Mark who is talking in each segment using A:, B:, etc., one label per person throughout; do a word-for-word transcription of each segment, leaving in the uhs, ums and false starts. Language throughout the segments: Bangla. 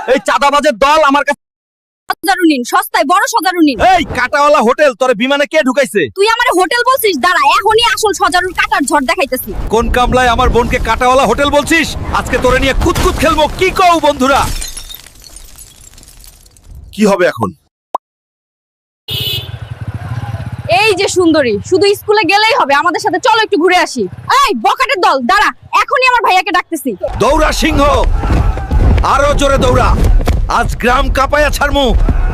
A: এই চাঁদাবাজের দল আমার কাছে
B: সজারু নিন, সস্তায় বড় সজারু নিন।
A: এই কাটাওয়ালা হোটেল তোরে বিমানে কে ঢুকাইছে?
B: তুই আমারে হোটেল বলছিস? দাঁড়া, এখনই আসল সজারুর কাটার ঝড় দেখাইতেছি।
A: কোন কামলায় আমার বোনকে কাটাওয়ালা হোটেল বলছিস? আজকে তোরে নিয়ে কুতকুত খেলবো। কি কও বন্ধুরা?
C: কি হবে এখন?
B: এই যে সুন্দরী, শুধু স্কুলে গেলেই হবে, আমাদের সাথে চলো একটু ঘুরে আসি। এই বকাটের দল, দাঁড়া, এখনই আমার ভাইয়াকে ডাকতেছি।
A: দৌড়া সিংহ, আরো জোরে দৌড়া, আজ গ্রাম কাঁপায়া ছাড়মু।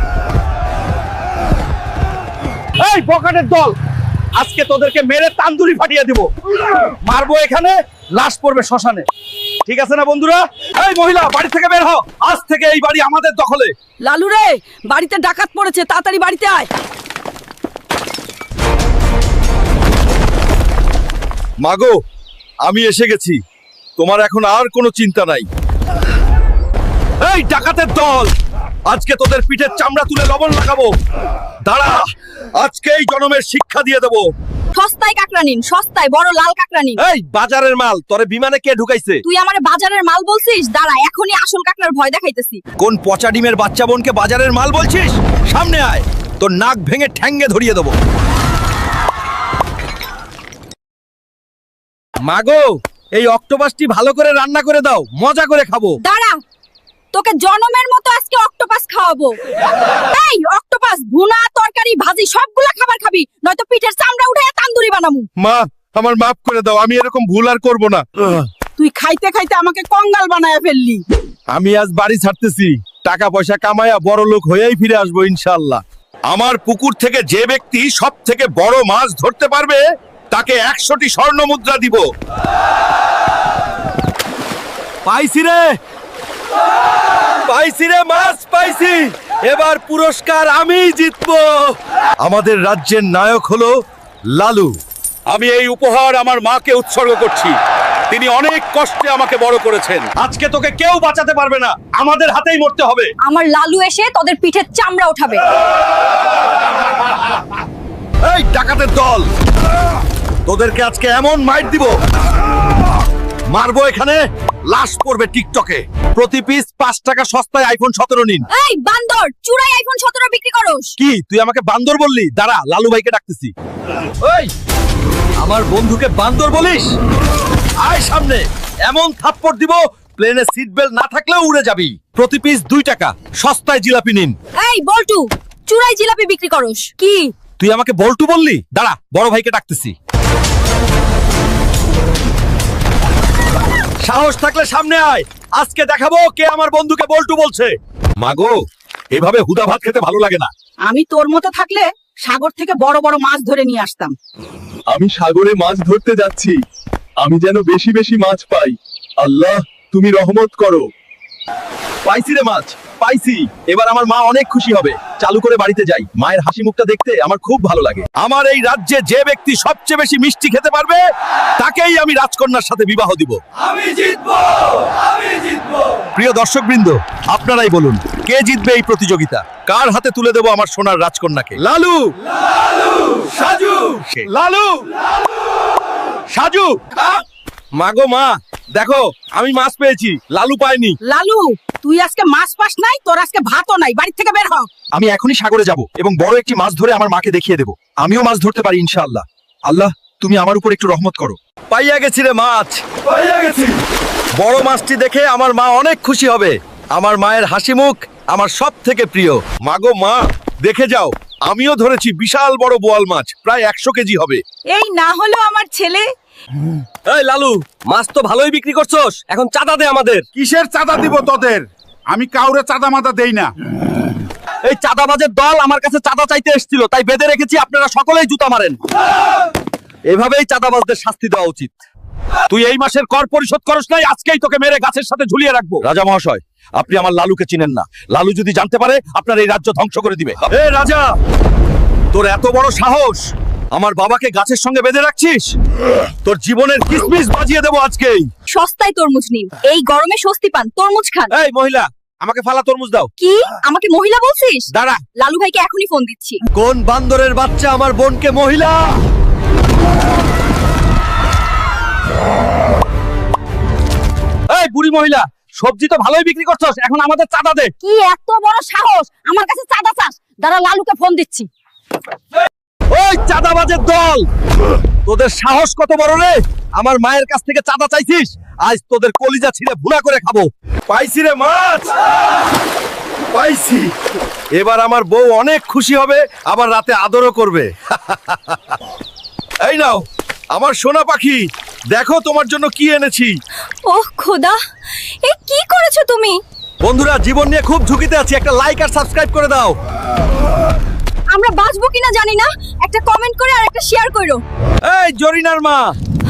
A: এই বকাটের দল, আজকে তোদেরকে মেরে তান্দুরি ফাটিয়ে দিব। মারবো এখানে, লাশ পড়বে শ্মশানে। ঠিক আছে না বন্ধুরা? এই মহিলা, বাড়ি থেকে বের হও। আজ থেকে এই বাড়ি আমাদের দখলে।
B: লালু রে, বাড়িতে ডাকাত পড়েছে, তাড়াতাড়ি বাড়িতে আয়।
C: মাগো, আমি এসে গেছি। তোমার এখন আর কোনো চিন্তা নাই।
A: এই ডাকাতের দল, আজকে তোদের পিঠের চামড়া তুলে লবণ লাগাবো। দাঁড়া, আজকে এই জনমের শিক্ষা দিয়ে দেবো।
B: সস্তায় কাকড়া নিন, সস্তায় বড় লাল কাকড়া নিন।
A: এই বাজারের মাল তোরে বিমানে কে ঢুকাইছে?
B: তুই আমারে বাজারের মাল বলছিস? দাঁড়া, এখনই আসল কাকড়ার ভয় দেখাইতেছি।
A: কোন পচা ডিমের বাচ্চা বোনকে বাজারের মাল বলছিস? সামনে আয়, তোর নাক ভেঙে ঠ্যাঙ্গে ধরিয়ে দেবো। মাগো, এই অক্টোপাসটি ভালো করে রান্না করে দাও, মজা করে খাবো।
B: দাঁড়া, তোকে জনমের মতো আজকে অক্টোপাস খাওয়াবো। এই অক্টোপাস, ভুনা, তরকারি, ভাজি সবগুলা খাবার খাবি, নয়তো পিঠের চামড়া উঠায় তান্দুরি বানামু।
C: মা, আমার মাফ করে দাও। আমি এরকম ভুল আর করব না।
D: তুই খাইতে খাইতে আমাকে কঙ্গাল বানায় ফেললি।
C: আমি আজ বাড়ি ছাড়তেছি। টাকা পয়সা কামায়া বড় লোক হয়েই ফিরে আসবো ইনশাআল্লাহ। আমার পুকুর থেকে যে ব্যক্তি সব থেকে বড় মাছ ধরতে পারবে তাকে একশোটি স্বর্ণ মুদ্রা দিব।
A: পাইছি রে, পাইছি রে, মাছ পাইছি। এবার পুরস্কার আমি জিতবো। আমাদের রাজ্যের নায়ক হলো লালু।
C: আমি এই উপহার আমার মাকে উৎসর্গ করছি। তিনি অনেক কষ্টে আমাকে বড় করেছেন।
A: আজকে তোকে কেউ বাঁচাতে পারবে না, আমাদের হাতেই মরতে হবে।
B: আমার লালু এসে তোদের পিঠের চামড়া উঠাবে।
A: এই ডাকাতের দল, তোদেরকে আজকে এমন মাইট দিব, মারবো এখানে, লাশ পড়বে টিকটকে। প্রতি পিস পাঁচ টাকা সস্তায় আইফোন সতেরো নিন।
B: এই বান্দর, চুরাই আইফোন সতেরো বিক্রি করস?
A: কি তুই আমাকে বান্দর বললি? দাঁড়া, লালু ভাইকে ডাকতেছি। ওই, আমার বন্ধুকে বান্দর বলিস? আয় সামনে, এমন থাপ্পড় দিব প্লেনে সিট বেল্ট না থাকলেও উড়ে যাবি। প্রতি পিস দুই টাকা, সস্তায় জিলাপি নিন।
B: এই বল্টু, চুরাই জিলাপি বিক্রি করস? কি
A: তুই আমাকে বল্টু বললি? দাঁড়া, বড় ভাইকে ডাকতেছি। সাহস থাকলে সামনে আয়, আজকে দেখাবো কে আমার বন্ধুকে বল্টু বলছে।
C: মাগো, এভাবে হুদা ভাত খেতে ভালো লাগে না।
D: আমি তোর মতো থাকলে সাগর থেকে বড় বড় মাছ ধরে নিয়ে আসতাম।
E: আমি সাগরে মাছ ধরতে যাচ্ছি, আমি যেন বেশি বেশি মাছ পাই। আল্লাহ, তুমি রহমত করো।
A: পাইছি রে মাছ, পাইছি। এবার আমার মা অনেক খুশি হবে। চালু করে বাড়িতে যাই, মায়ের হাসি মুখটা দেখতে আমার খুব ভালো লাগে। আমার এই রাজ্যে যে ব্যক্তি সবচেয়ে বেশি মিষ্টি খেতে পারবে তাকেই আমি রাজকন্যার সাথে বিবাহ দিব। আমি জিতবো, আমি জিতবো। প্রিয় দর্শকবৃন্দ, আপনারাই বলুন কে জিতবে এই প্রতিযোগিতা? কার হাতে তুলে দেব আমার সোনার রাজকন্যাকে? লালু, লালু, সাজু, লালু, সাজু। মাগো মা, দেখো আমি মাছ পেয়েছি, লালু পাইনি।
D: লালু, তুই আজকে মাছ পাস নাই, তোর আজকে ভাতও নাই, বাড়ি থেকে বের হ।
A: আমি এখনই সাগরে যাব এবং বড় একটি মাছ ধরে আমার মাকে দেখিয়ে দেব। আমিও মাছ ধরতে পারি ইনশাআল্লাহ। আল্লাহ, তুমি আমার উপর একটু রহমত করো। পাইয়া গেছি রে মাছ, পাইয়া গেছি। বড় মাছটি দেখে আমার মা অনেক খুশি হবে। আমার মায়ের হাসি মুখ আমার সব থেকে প্রিয়। মাগো মা, দেখে যাও, আমিও ধরেছি বিশাল বড় বোয়াল মাছ, প্রায় একশো কেজি হবে।
D: এই না হলো আমার ছেলে।
A: এই লালু, মাছ তো ভালোই বিক্রি করছস, এখন চাঁদা দে আমাদের।
C: কিসের চাঁদা দিব তোদের? আমি কাউরে চাঁদা মাদা দেই না।
A: এই চাঁদাবাজের দল আমার কাছে চাঁদা চাইতে এসেছিল, তাই বেঁধে রেখেছি, আপনারা সকলেই জুতা মারেন। এভাবেই চাঁদাবাজদের শাস্তি দেওয়া উচিত। তুই এই মাসের কর পরিশোধ করস নাই, আজকেই তোকে মেরে গাছের সাথে ঝুলিয়ে রাখবো। রাজা মহাশয়, আপনি আমার লালুকে চিনেন না। লালু যদি জানতে পারে আপনার এই রাজ্য ধ্বংস করে দিবে। এ রাজা, তোর এত বড় সাহস, আমার বাবাকে গাছের সঙ্গে বেঁধে রাখছিস? তোর জীবনের কিসমিস বাজিয়ে দেবো আজকেই।
B: সস্তায় তরমুজ নিন, এই গরমে স্বস্তি পান, তরমুজ খান।
A: এই মহিলা, আমাকে ফালা তরমুজ দাও।
B: কি আমাকে মহিলা বলছিস?
A: দাঁড়া,
B: লালু ভাইকে এখনই ফোন দিচ্ছি।
A: কোন বান্দরের বাচ্চা আমার বোনকে মহিলা? এই বুড়ি মহিলা, সবজি তো ভালোই বিক্রি করছস, এখন আমাদের চাঁদা দে।
B: কি এত বড় সাহস আমার কাছে চাঁদা চাস? দাঁড়া লালুকে ফোন দিচ্ছি।
A: ওই চাঁদাবাজের দল, তোদের সাহস কত বড় রে? আমার মায়ের কাছ থেকে চাঁদা চাইছিস? আজ তোদের কলিজা ছিঁড়ে ভুনা করে খাবো। পাইছি রে মাছ, পাইছি। এবার আমার বউ অনেক খুশি হবে, আবার রাতে আদরও করবে। এই নাও আমার সোনা পাখি, দেখো তোমার জন্য কি এনেছি।
B: ওহ খোদা, এ কি করেছো তুমি?
A: বন্ধুরা, জীবন নিয়ে খুব ঝুঁকিতে আছি, একটা লাইক আর সাবস্ক্রাইব করে দাও।
B: আমরা বাঁচবো কিনা জানি না, একটা কমেন্ট করে আর একটা শেয়ার করো।
A: এই জরিনার মা,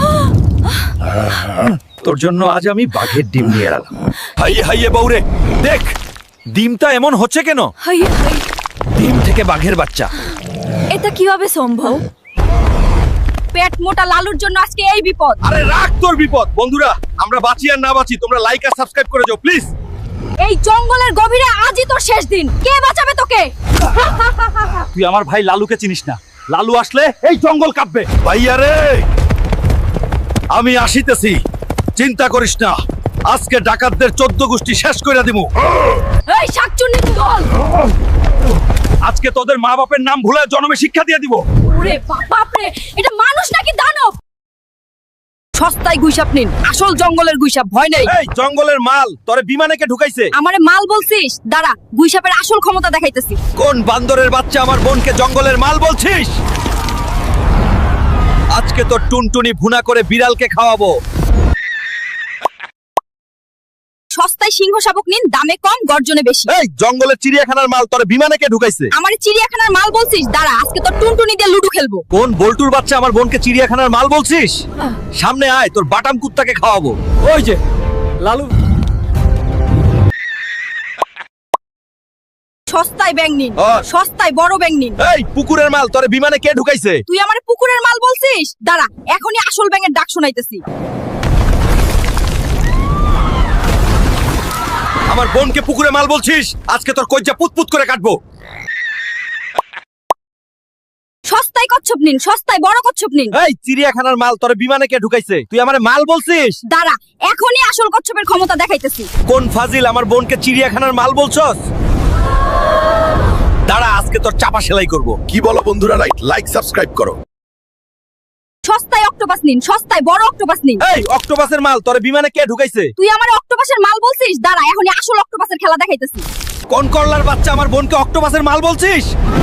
A: তোর জন্য আজ আমি বাঘের ডিম নিয়ে এলাম। হাইয়ে হাইয়ে বউরে, দেখ ডিমটা এমন হচ্ছে কেন?
B: হাই হাই,
A: ডিম থেকে বাঘের বাচ্চা।
B: এটা কিভাবে সম্ভব? পেট মোটা লালুর জন্য আজকে এই বিপদ।
A: আরে রাখ তোর বিপদ। বন্ধুরা, আমরা বাঁচি আর না বাঁচি, তোমরা লাইক আর সাবস্ক্রাইব করে যাও প্লিজ।
B: এই জঙ্গলের গভীরে আজই তোর শেষ দিন, কে বাঁচাবে তোকে?
A: তুই আমার ভাই লালুকে চিনিস না, লালু আসলে এই জঙ্গল কাঁপবে। ভাইয়া রে, আমি আসিতেছি, চিন্তা করিস না, আজকে ডাকাতদের চোদ্দ গোষ্ঠী শেষ করে দিব।
B: এই শাকচুন্নি দল,
A: আজকে তোদের মা বাপের নাম ভুলে জন্মে শিক্ষা দিয়ে দিব।
B: ওরে বাপ রে, এটা মানুষ নাকি দানব? সস্তায় গুইসাপ নিন, আসল জঙ্গলের গুইসাপ, ভয় নেই।
A: এই জঙ্গলের মাল তোরে বিমানে কে ঢুকাইছে?
B: আমারে মাল বলছিস? দাঁড়া, গুইসাপের আসল ক্ষমতা দেখাইতেছি।
A: কোন বান্দরের বাচ্চা আমার বোনকে জঙ্গলের মাল বলছিস? আজকে তো টুনটুনি ভুনা করে বিড়ালকে খাওয়াবো।
B: সস্তায় সিংহ শাবক নিন, দামে কম, গর্জনে বেশি।
A: এই জঙ্গলের চিড়িয়াখানার মাল তোরে বিমানে কে ঢুকাইছে?
B: আমারে চিড়িয়াখানার মাল বলছিস? দাঁড়া, আজকে তো টুনটুনি দিয়ে লুডু খেলবো।
A: কোন বল্টুর বাচ্চা আমার বোনকে চিড়িয়াখানার মাল বলছিস? সামনে আয়, তোর বাটাম কুত্তাকে খাওয়াবো। ওই যে লালু।
B: সস্তায় ব্যাং নিন,
A: আর?
B: সস্তায় বড় ব্যাং নিন।
A: এই পুকুরের মাল তোরে বিমানে কে ঢুকাইছে?
B: তুই আমারে পুকুরের মাল বলছিস? দাঁড়া, এখনই আসল ব্যাঙের ডাক শোনাইতেছি।
A: আমার বোনকে পুকুরে মাল বলছিস? আজকে তোর কজ্জা পুতপুত করে কাটবো।
B: সস্তায় কচ্ছপ নিন, সস্তায় বড় কচ্ছপ নিন।
A: এই চিড়িয়াখানার মাল তোরে বিমানে কে ঢুকাইছে? তুই আমারে মাল বলছিস?
B: দাঁড়া, এখনই আসল কচ্ছপের ক্ষমতা দেখাইতেছি।
A: কোন ফাজিল আমার বোনকে চিড়িয়াখানার মাল বলছস? দাঁড়া, আজকে তোর চাপা সেলাই করব।
C: কি বলো বন্ধুরা, লাইক লাইক সাবস্ক্রাইব করো।
B: সস্তায় অক্টোপাস নিন, সস্তায় বড় অক্টোপাস নিন।
A: এই অক্টোপাসের মাল তোরে বিমানে কে ঢুকাইছে?
B: তুই আমারে অক্টোপাসের মাল বলছিস? দাঁড়া, এখনই আসল অক্টোপাসের খেলা দেখাইতেছি।
A: কোন করলার বাচ্চা আমার বোনকে অক্টোপাসের মাল বলছিস?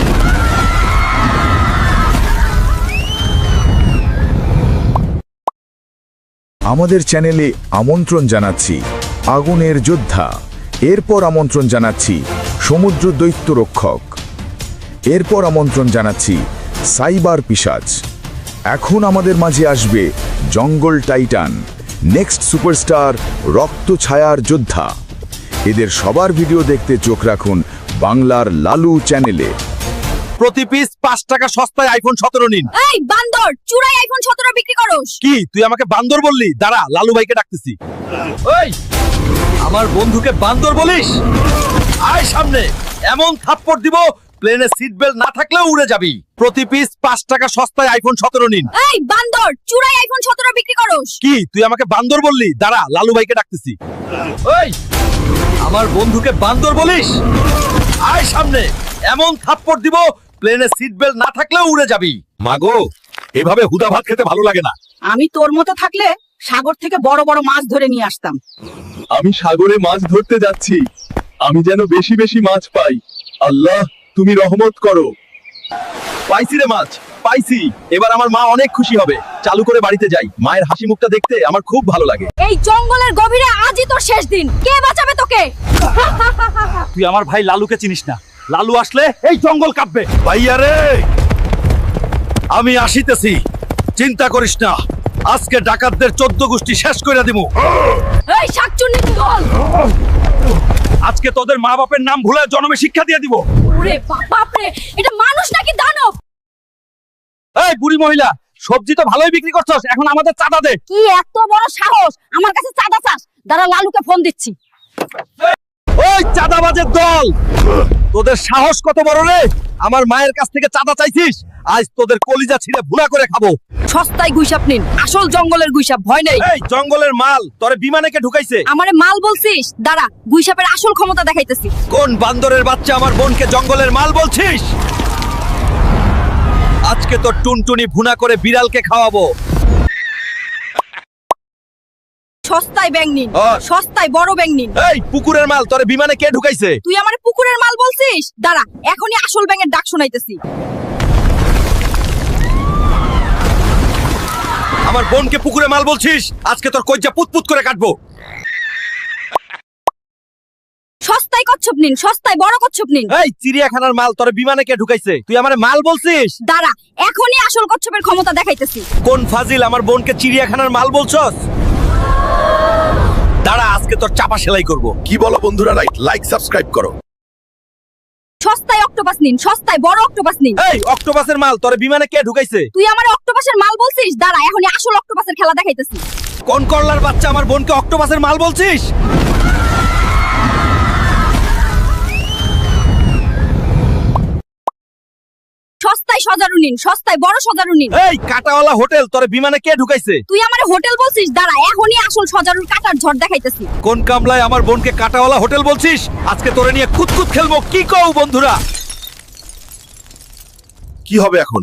F: আমাদের চ্যানেলে আমন্ত্রণ জানাচ্ছি আগুনের যোদ্ধা, এরপর আমন্ত্রণ জানাচ্ছি সমুদ্র দৈত্য রক্ষক, এরপর আমন্ত্রণ জানাচ্ছি সাইবার পিশাচ, এখন আমাদের মাঝে আসবে জঙ্গল টাইটান, নেক্সট সুপারস্টার রক্ত ছায়ার যোদ্ধা। এদের সবার ভিডিও দেখতে চোখ রাখুন বাংলার লালু চ্যানেলে।
A: প্রতি পিস পাঁচ টাকা সস্তায় আইফোন সতেরো নিন।
B: এই বান্দর, চুরাই আইফোন সতেরো বিক্রি করস?
A: কি তুই আমাকে বান্দর বললি? দাঁড়া, লালু ভাইকে ডাকতেছি। ওই আমার বন্ধুকে বান্দর বলিস? আয় সামনে, এমন থাপ্পড় দিব প্লেনে সিট বেল্ট না থাকলেও উড়ে যাবি। প্রতি পিস পাঁচ টাকা সস্তায় আইফোন সতেরো নিন।
B: এই বান্দর, চুরাই আইফোন সতেরো বিক্রি করস?
A: কি তুই আমাকে বান্দর বললি? দাঁড়া, লালু ভাইকে ডাকতেছি। ওই আমার বন্ধুকে বান্দর বলিস? আয় সামনে, এমন থাপ্পড় দিব প্লেনে সিট বেল্ট না থাকলেও উড়ে যাবি। মাগো, এভাবে হুদা ভাত খেতে ভালো লাগে না।
D: আমি তোর মতো থাকলে সাগর থেকে বড় বড় মাছ ধরে নিয়ে আসতাম।
E: আমি সাগরে মাছ ধরতে যাচ্ছি, আমি যেন বেশি বেশি মাছ পাই। আল্লাহ, তুমি রহমত করো।
A: পাইছি রে মাছ, পাইছি। এবার আমার মা অনেক খুশি হবে। চালু করে বাড়িতে যাই, মায়ের হাসি মুখটা দেখতে আমার খুব ভালো লাগে।
B: এই জঙ্গলের গভীরে আজই তোর শেষ দিন, কে বাঁচাবে তোকে?
A: তুই আমার ভাই লালুকে চিনিস না, লালু আসলে এই জঙ্গল কাঁপবে। ভাইয়া রে, আমি আসিতেছি, চিন্তা করিস না, আজকে ডাকাতদের চোদ্দ গোষ্ঠী শেষ করে দিব।
B: এই শাকচুন্নি দল,
A: আজকে তোদের মা বাপের নাম ভুলে জন্মে শিক্ষা দিয়ে দিব।
B: ওরে বাপ রে, এটা মানুষ নাকি দানব?
A: এই বুড়ি মহিলা, সবজি তো ভালোই বিক্রি করছস, এখন আমাদের চাঁদা দে।
B: কি এত বড় সাহস আমার কাছে চাঁদা চাস? দাঁড়া, লালুকে ফোন দিচ্ছি।
A: এই চাঁদাবাজের দল, তোদের সাহস কত বড় রে? আমার মায়ের কাছ থেকে চাঁদা চাইছিস? আজ তোদের কলিজা ছিঁড়ে ভুনা করে খাবো।
B: সস্তায় গুইসাপ নিন, আসল জঙ্গলের গুইসাপ, ভয় নেই।
A: এই জঙ্গলের মাল তোরে বিমানে কে ঢুকাইছে?
B: আমারে মাল বলছিস? দাঁড়া, গুইসাপের আসল ক্ষমতা দেখাইতেছি।
A: কোন বান্দরের বাচ্চা আমার বোনকে জঙ্গলের মাল বলছিস? আজকে তো টুনটুনি ভুনা করে বিড়ালকে খাওয়াবো।
B: সস্তায় ব্যাং নিন,
A: আর?
B: সস্তায় বড় ব্যাং নিন।
A: এই পুকুরের মাল তোরে বিমানে কে ঢুকাইছে?
B: তুই আমারে পুকুরের মাল বলছিস? দাঁড়া, এখনই আসল ব্যাঙের ডাক শোনাইতেছি।
A: আমার বোনকে পুকুরে মাল বলছিস? আজকে তোর কজ্জা পুতপুত করে কাটবো।
B: সস্তায় কচ্ছপ নিন, সস্তায় বড় কচ্ছপ নিন।
A: এই চিড়িয়াখানার মাল তোরে বিমানে কে ঢুকাইছে? তুই আমারে মাল বলছিস?
B: দাঁড়া, এখনই আসল কচ্ছপের ক্ষমতা দেখাইতেছি।
A: কোন ফাজিল আমার বোনকে চিড়িয়াখানার মাল বলছস? দাঁড়া, আজকে তোর চাপা সেলাই করব।
C: কি বলো বন্ধুরা? লাইক লাইক সাবস্ক্রাইব করো।
B: সস্তায় অক্টোপাস নিন, সস্তায় বড় অক্টোপাস নিন।
A: এই অক্টোপাসের মাল তোরে বিমানে কে ঢুকাইছে?
B: তুই আমারে অক্টোপাসের মাল বলছিস? দাঁড়া, এখনই আসল অক্টোপাসের খেলা দেখাইতেছি।
A: কোন করলার বাচ্চা আমার বোনকে অক্টোপাসের মাল বলছিস?
B: সস্তায় সজারু নিন, সস্তায় বড় সজারু নিন।
A: এই কাটাওয়ালা হোটেল তোরে বিমানে কে ঢুকাইছে?
B: তুই আমারে হোটেল বলছিস? দাঁড়া, এখনই আসল সজারুর কাটার ঝড় দেখাইতেছি।
A: কোন কামলায় আমার বোনকে কাটাওয়ালা হোটেল বলছিস? আজকে তোরে নিয়ে কুতকুত খেলবো। কি কও বন্ধুরা?
C: কি হবে এখন?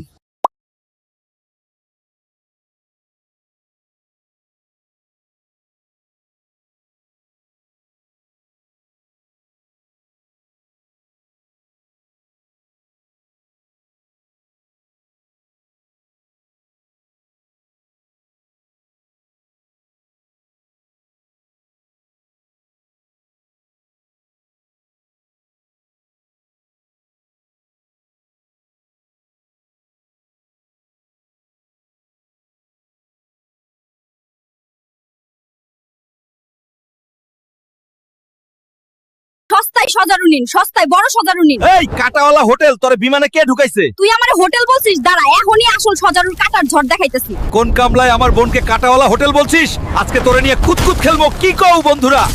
B: সস্তায় সজারু নিন, সস্তায় বড় সজারু নিন।
A: এই কাটাওয়ালা হোটেল তোরে বিমানে কে ঢুকাইছে?
B: তুই আমারে হোটেল বলছিস? দাঁড়া, এখনই আসল সজারুর কাটার ঝড় দেখাইতেছি।
A: কোন কামলায় আমার বোনকে কাটাওয়ালা হোটেল বলছিস? আজকে তোরে নিয়ে কুতকুত খেলবো। কি কও বন্ধুরা?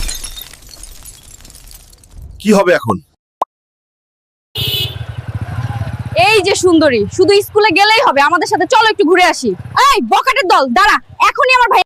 C: কি হবে এখন?
B: এই যে সুন্দরী, শুধু স্কুলে গেলেই হবে, আমাদের সাথে চলো একটু ঘুরে আসি। এই বকাটের দল, দাঁড়া, এখনই আমার ভাই